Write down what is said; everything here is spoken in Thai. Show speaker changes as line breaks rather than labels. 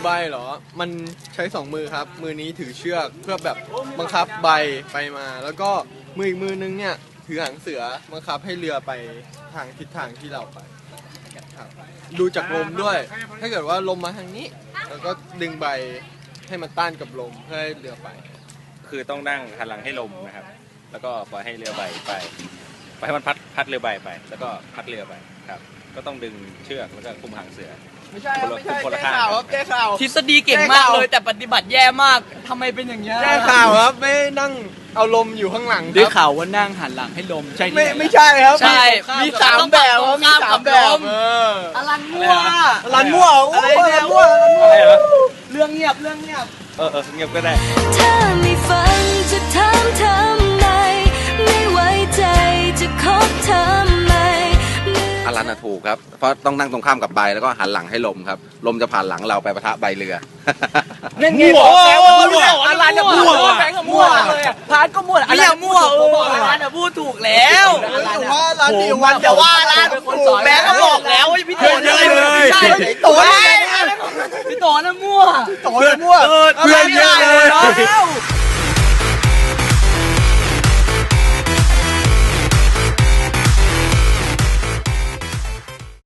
ใบเหรอมันใช้2มือครับมือนี้ถือเชือกเพื่อแบบบังคับใบไปมาแล้วก็มืออีกมือนึงเนี่ยถือหางเสือบังคับให้เรือไปทางทิศทางที่เราไปครับดูจากลมด้วย ถ้าเกิดว่าลมมาทางนี้แล้วก็ดึงใบให้มันต้านกับลมเพื่อให้เรือไป
คือต้องนั่งหันหลังให้ลมนะครับแล้วก็ปล่อยให้เรือใบไปให้มันพัดเรือใบไปแล้วก็พัดเรือไปครับก็ต้องดึงเชือกแล้วก็คุมหางเสือ
ไม่ใช่ครับไม่ใช่
คนละ
แก้
ข้าง
ข่าวครับแก้ข่าว
ทฤษฎีเก่งมากเลยแต่ปฏิบัติแย่มากทำไมเป็นอย่างเงี้ย
แก้ข่าวครับไม่นั่งเอาลมอยู่ข้างหลังค
ได้
รับ
ข่าวว่านั่งหันหลังให้ลมใช่ที่หน
ไม่ใช่ครับ
ใช่
มี3แบบครับมี3แบบ
อลันมั่ว
รันมั่วอะไรเนี่ยมั่ว
อะไรเหรอ
เรื่องเงียบเรื่องเงียบ
เงียบก็ได้
ถ้าไม่ฟังจะถามทำไมไม่ไว้ใจจะคบทำไม
อารันถูกครับเพราะต้องนั่งตรงข้ามกับใบแล้วก็หันหลังให้ลมครับลมจะผ่านหลังเราไปปะทะใบเรือ
นั่นไงบอกแล้วว่ามั่วอลันมั่วแบงค์ก็มั่วเลยพาร์ทก็มั่วอลันมั่วอลันพูดถูกแล้ว
ว่าร้านดีวันจะว่าร้าน
แบงค์ก็บอกแล้วว่าพี่โตใช่พี่โตนั่นมั่ว
โตมั่ว
เพื่อนเยอะเลย